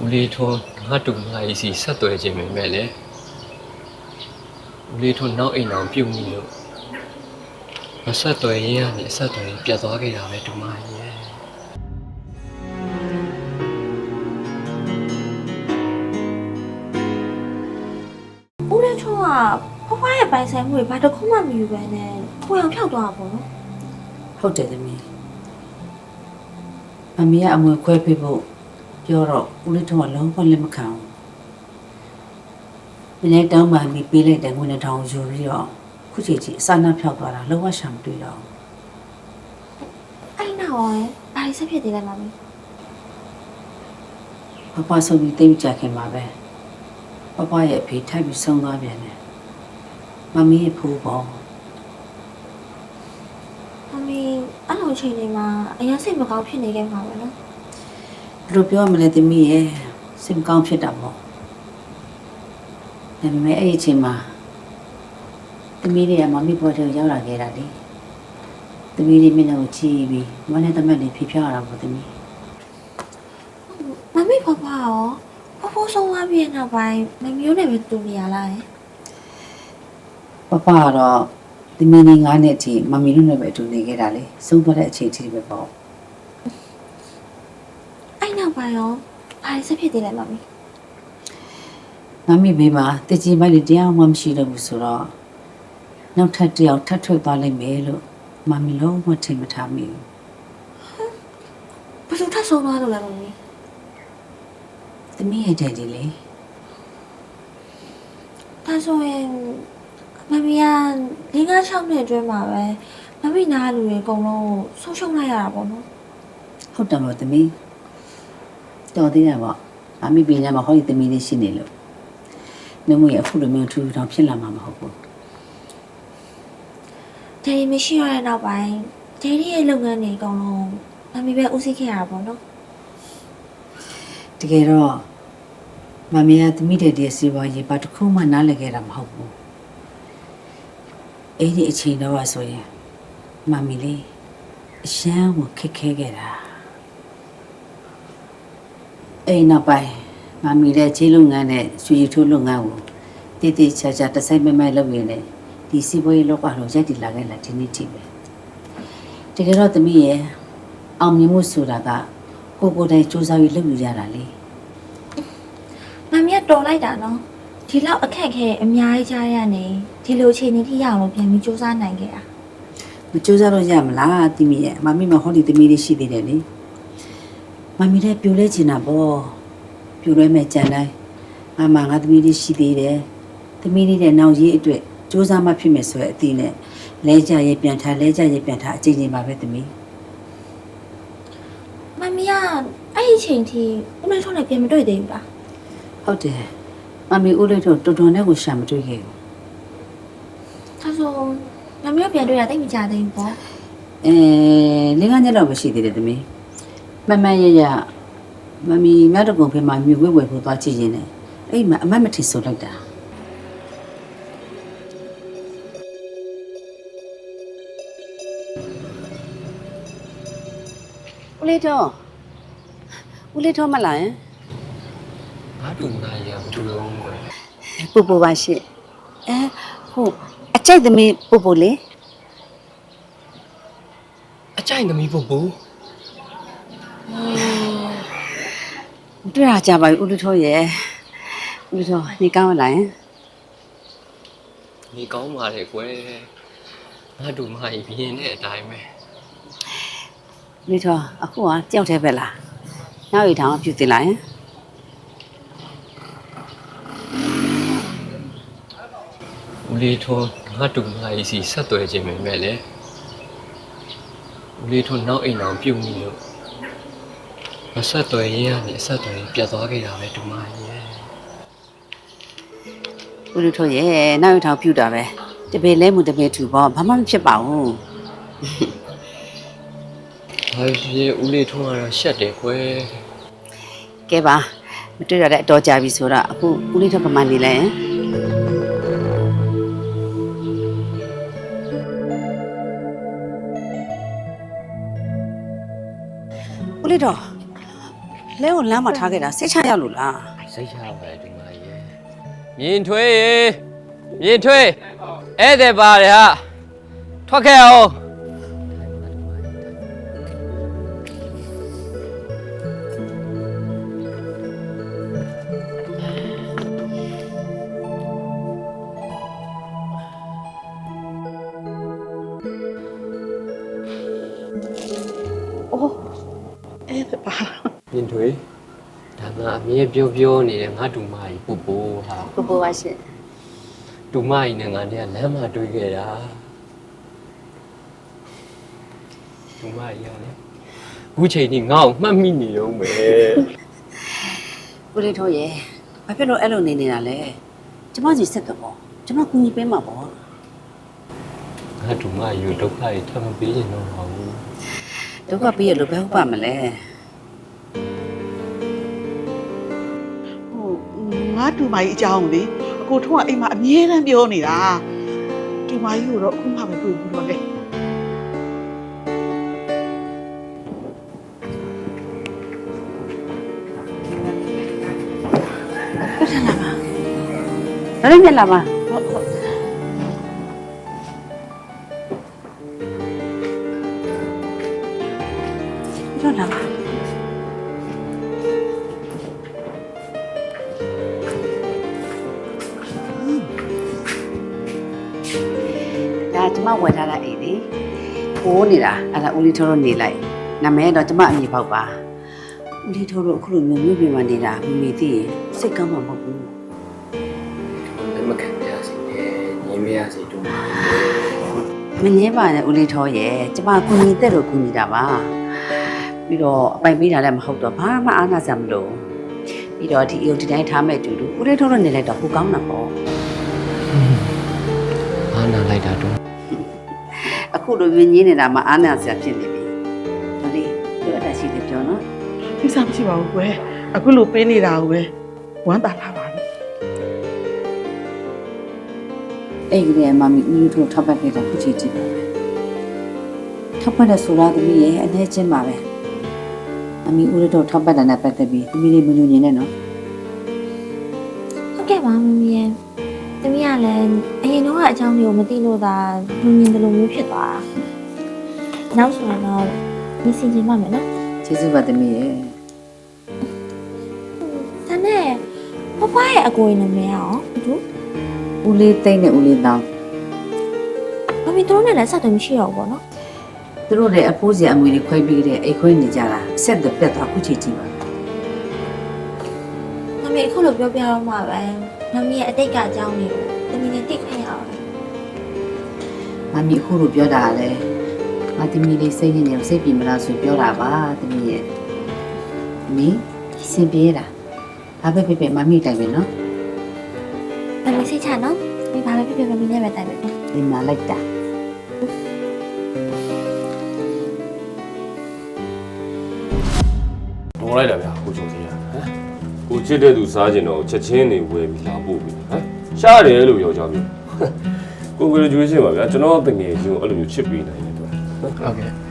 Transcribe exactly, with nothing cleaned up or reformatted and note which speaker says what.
Speaker 1: ဦးလေးထွန်းငါတူငါကြီးစီဆက်သွယ်ခြင်းပဲမဲ့လေဦးလေးထွန်းနောက်အိမ်အောင်ပြုတ်နေလို့မဆက်သွယ်ရင်းကနေဆက်သွယ်ပြတ်သွားခဲ့တာပဲတူမကြီးရဲ့
Speaker 2: ဦးလေးထွန်းကဖွားဖွားရဲ့ပိုင်ဆိုင်မှုတွေဘာတစ်ခုမှမယူပဲနဲ့ကိုယ်အောင်ဖြောက်သွားတာပေါ့နော်
Speaker 3: ဟုတ်တယ်သမီးအမေကအမွေခွဲပေးဖို့ပြောတော့ဦးလေးထွန်းကလုံးဝလက်မခံဘူးမနေ့တောင်းမှမိပေးလိုက်တဲ့ငွေနဲ့တောင်းယူပြီးတော့ခုချိန်ကြီးအစနာဖြောက်သွားတာလုံးဝရှာမတွေ့တော့
Speaker 2: အဲ့နောက်ရောဘာလို့ဆက်ဖြစ်သေးလဲမမီ
Speaker 3: ပပဆုံးပြီးတိတ်ကြခင်ပါပဲပပရဲ့အဖေထိုက်ပြီးဆုံးသွားပြန်တယ်မမီးရဲ့ဖိုးပေါ့
Speaker 2: မမီအဲ့လိုချိန်တွေမှာအရင်စိတ်မကောင်းဖြစ်နေခဲ့မှာပဲနော်
Speaker 3: ဘယ်လိုပြောမလဲသမီးရဲ့စိတ်မကောင်းဖြစ်တာပေါ့ဒါပေမဲ့အဲ့ဒီအချိန်မှာသမီးတွေကမမီးပေါ်ထဲရောက်လာခဲ့တာလေသမီးလေးမျက်နှာကိုကြည့်ပြီးမနဲ့တမက်လေးဖြေဖြောက်ရတာပေါ့သမီး
Speaker 2: မမီဖွားဖွားရောဖွားဖွားဆုံးသွားပြီးနောက်ပိုင်းမမျိုးနဲ့ပဲတူနေရလား
Speaker 3: ပပကတော့သမီးလေးငါးနှစ်အထိမမီတို့နဲ့ပဲအတူနေခဲ့တာလေဆုံးသွားတဲ့အချိန်အထိပဲပေါ့
Speaker 2: အဲ့နောက်ပိုင်းရောဘာလို့ဆက်ဖြစ်သေးလဲမမီ
Speaker 3: မမီဘေးမှာတကြီးမိုက်လေးတရားမှမရှိတော့ဘူးဆိုတော့နောက်ထပ်တယောက်ထပ်ထွက်သွားလိုက်မယ်လို့မမီလုံးဝထင်မထားမိ
Speaker 2: ဘူးဘယ်သူထပ်ဆုံးသွားလို့လဲမမီ
Speaker 3: သမီးရဲ့တဲ့ဒီလေ
Speaker 2: ဒါဆိုရင်မမီကလေးငါး၆နှစ်အတွင်းမှာပဲမမီနားလူတွေအကုန်လုံးဆုံးရှုံးလိုက်ရတာပေါ့နော်
Speaker 3: ဟုတ်တယ်မို့သမီးတော်သေးတယ်ပေါ့မမီပြင်းရမှာဟောဒီသမီးလေးရှိနေလို့မမီအခုလိုမျိုးထူထောင်ဖြစ်လာမှာမဟုတ်ဘူး
Speaker 2: ဒေဒီမရှိရတဲ့နောက်ပိုင်းဒေဒီရဲ့လုပ်ငန်းတွေအကုန်လုံးမမီပဲဦးစီးခဲ့ရတာပေါ့နော်
Speaker 3: တကယ်တော့မမီကသမီးတဲ့ဒီစီပွားရေးဘာတစ်ခုမှနားလည်ခဲ့တာမဟုတ်ဘူးအဲ့ဒီအချိန်တော့ဆိုရင်မမီလေးအရှမ်းကိုခက်ခဲခဲ့တာအဲ့နောက်ပိုင်းမမီတဲ့ခြေလုပ်ငန်းနဲ့ရွှေရည်ထိုးလုပ်ငန်းကိုတည်တည်ချာချာတစိုက်မဲမဲလုပ်ရင်းနဲ့ဒီစီပွားရေးလောကလုံးရိုက်တည်လာခဲ့လာဒီနေ့ထိပဲတကယ်တော့သမီးရဲ့အောင်မြင်မှုဆိုတာကကိုကိုတိုင်စူးစမ်းပြီးလုပ်ယူရတာလေ
Speaker 2: မမီကတော်လိုက်တာနော်ဒီလောက်အခက်ခဲအများကြီးကြားရနေဒီလိုအခြေအနေထိရအောင်လို့ပြန်ပြီးစူးစမ်းနိုင်ခဲ့တာ
Speaker 3: မစူးစမ်းလို့ရမလားသမီးရဲ့မမီမဟောဒီသမီးလေးရှိသေးတယ်လေမမီလည်းပြိုလဲချင်တာပေါ့ပြိုလဲမဲ့ကြံတိုင်းအမငါသမီးလေးရှိသေးတယ်သမီးလေးတဲ့နောက်ရေးအတွက်စူးစမ်းမှဖြစ်မယ်ဆိုတဲ့အသည့်နဲ့လဲကြရဲ့ပြန်ထားလဲကြရဲ့ပြန်ထားအချိန်ချင်းပါပဲသမီး
Speaker 2: မမီကအဲ့ဒီချိန်ထိဦးလေးထုံးနဲ့ပြန်မတွေ့သေးဘူးလား
Speaker 3: ဟုတ်တယ်မမီဦးလေးထုံးတော်တော်နဲ့ကိုရှာမတွေ့ခဲ့ဘူး
Speaker 2: ဒါဆိုမမီကပြန်တွေ့တာတိတ်မကြသေးဘူးပေါ့
Speaker 3: အဲလင်းကညက်တော့မရှိသေးတယ်သမီးမမရရမမီမြတ်တကုံဖေးမှာမြွေဝဲဝဲဖို့သွားကြည့်ရင်လည်းအဲ့မှာအမတ်မထီဆိုလိုက်တာဦးလေးတော့ဦးလေးတော့မလာရင်
Speaker 1: ငါတူငါကြီးကဘူးလုံးပဲ
Speaker 3: ပူပူပါရှိအဲဟုတ်အကြိုက်သမီးပူပူလေ
Speaker 1: အကြိုက်သမီးပူပူ
Speaker 3: တွေ့ရကြပါဦးလူထောရဲ့ဦးလူထောနေကောင်းလာရင်
Speaker 1: နေကောင်းပါလေကွယ်ငါတူငါကြီးပြင်းတဲ့အတိုင်းပဲ
Speaker 3: လူထောအခုကကြောက်သေးပဲလားနောက်ရီထောင်ပြုတ်တင်လာရင်
Speaker 1: ဦးလေးထွန်းငါတူငါကြီးစီဆက်သွယ်ခြင်းပဲမဲ့လေဦးလေးထွန်းနောက်အိမ်အောင်ပြုတ်နေလို့မဆက်သွယ်ရင်းကနေဆက်သွယ်ပြတ်သွားခဲ့တာပဲတူမကြီးရဲ့
Speaker 3: ဦးလူထောရဲ့နောက်ရီထောင်ပြုတ်တာပဲတပည့်လဲမှုတပည့်ထူပေါ့ဘာမှမဖြစ်ပါဘူး
Speaker 1: ဘာဖြစ်ဦးလေးထွန်းကတော့ရှက်တယ်ကွယ်
Speaker 3: ကဲပါမတွေ့ရတဲ့အတော်ကြာပြီဆိုတော့အခုဦးလေးထောပမာနေလဲဦးလေးထောလဲကိုလမ်းမှာထားခဲ့တာစိတ်ချရလို့လား
Speaker 1: စိတ်ချပါတယ်ဒီမရေမြင်ထွေးရေမြင်ထွေးဧည့်သည်ပါတယ်ဟာထွက်ခဲ့အောင်
Speaker 4: အဲ့ဒါပါ
Speaker 1: မြင်ထွေးဒါငါအမြဲပြောပြောနေတယ်ငါတူမကြီးပူပူဟာ
Speaker 3: ပူပူပါရှင်
Speaker 1: တူမကြီးနဲ့ငါနဲ့ကလမ်းမှာတွေ့ခဲ့တာတူမကြီးကလည်းအခုချိန်ကြီးငါ့ကိုမှတ်မိနေတော့မယ်
Speaker 3: ဦးလေးတို့ရဲ့ဘာဖြစ်လို့အဲ့လိုနေနေတာလဲကျမစီစက်ကပေါ့ကျမကူညီပေးမှာပေါ့
Speaker 1: ငါတူမကြီးကိုဒုက္ခတွေထပ်မပေးချင်တော့ပါဘူး
Speaker 3: ဒုက္ခပေးရလို့ဘယ်ဟုတ်ပါမလဲ
Speaker 4: ဟိုငါတူမကြီးအကြောင်းလေအကိုထုံးကအိမ်မှာအမြဲတမ်းပြောနေတာတူမကြီးကိုတော့အခုမှပဲတွေ့ဘူးတော့လေ
Speaker 3: ဒါလည်းမျက်လာပါ
Speaker 4: ဟုတ်ဟုတ်
Speaker 3: ပြောလာပါဒါကျမဝယ်ထားတာအိမ်လေပိုးနေတာအဲ့ဒါဦးလေးထိုးတော့နေလိုက်နာမည်တော့ကျမအမည်ပေါက်ပါဦးလေးထိုးတော့အခုလိုမျိုးမြို့ပြင်မှာနေတာမမီသိရင်စိတ်ကောင်းမှာမဟုတ်ဘူး
Speaker 1: လက်မခံပြစီနဲ့ညီမရစီတူမကြီး
Speaker 3: မငင်းပါနဲ့ဦးလေးထောရဲ့ကျမကူညီတဲ့လို့ကူညီတာပါပြီးတော့အပိုင်ပေးတာလည်းမဟုတ်တော့ဘာမှအားနာစရာမလိုပြီးတော့ဒီအယုတ်ဒီတိုင်းထားမဲ့တူတူဦးလေးထောတော့နေလိုက်တော့ဟိုကောင်းတာပေါ့
Speaker 1: အားနာလိုက်တာတော့
Speaker 3: အခုလိုမြင်ကြီးနေတာမှအားနာစရာဖြစ်နေပြီဒါလေးပြောအပ်တာရှိတယ်ပြောနော်
Speaker 4: ကိစ္စမရှိပါဘူးကွယ်အခုလိုပေးနေတာကိုပဲဝမ်းသာထားပါဘူး
Speaker 3: အဲ့ဒီကမမီဦးလေးထောထောက်ပတ်ခဲ့တာခုချိန်ကြည့်ပါပဲထောက်ပတ်တဲ့ဆိုလာသမီးရဲ့အနေချင်းပါပဲအမီဦးလေးထောထောက်ပတ်တာနဲ့ပတ်သက်ပြီးသမီးလေးမညွညင်နဲ့နော်
Speaker 2: ဟုတ်ကဲ့ပါမမီရဲ့တမီးကလည်းအရင်တော့အကြောင်းတွေကိုမသိလို့သာလူမြင်တယ်လို့မျိုးဖြစ်သွားတာနောက်ဆိုရင်တော့ဒီစီချင်းပါမယ်နော်
Speaker 3: ကျေးဇူးပါသမီးရဲ့
Speaker 2: ဒါနဲ့ပပရဲ့အကိုရင်နာမည်ကရောဘာလို့
Speaker 3: ဦးလေးသိမ့်နဲ့ဦးလေးတောင်း
Speaker 2: မမီတို့နဲ့လည်းဆက်တယ်မရှိတော့ဘူးပေါ့နော်
Speaker 3: သူတို့လည်းအဖိုးစီအမွေတွေခွဲပြီးတဲ့အိတ်ခွဲနေကြတာအဆက်သက်ပြတ်သွားခုချိန်ကြည့်ပါ
Speaker 2: မမီအခုလိုပြောပြတော့မှပဲမမီရဲ့အတိတ်ကအကြောင်းတွေကိုတမီနဲ့သိခွင့်ရအောင်
Speaker 3: မမီအခုလိုပြောတာလည်းငါသမီးလေးစိတ်နေနေစိတ်ပြေမလားဆိုပြောတာပါသမီးရဲ့မီစင်ပြေတာဘာပဲဖြစ်ဖြစ်မမီတိုင်ပဲနော်
Speaker 2: တမီစိတ်ချနော်ဒီဘာပဲဖြစ်ဖြစ်မမီနဲ့ပဲတိုင်ပဲနော်
Speaker 3: ဒီမှာလိုက်တာ
Speaker 5: တော်လိုက်တာဗျာကိုချုံကြီးဟမ်ကိုချစ်တဲ့သူစားကျင်တော့ချက်ချင်းနေဝယ်ပြီးလာပို့ပြီးဟမ်ရှားတယ်လို့ပြောကြပြီကို graduation ပါဗျာကျွန်တော်တငယ်ချင်းကိုအဲ့လိုမျိုးချစ်ပေးနိုင်တယ်သူ
Speaker 1: ဟုတ်ကဲ့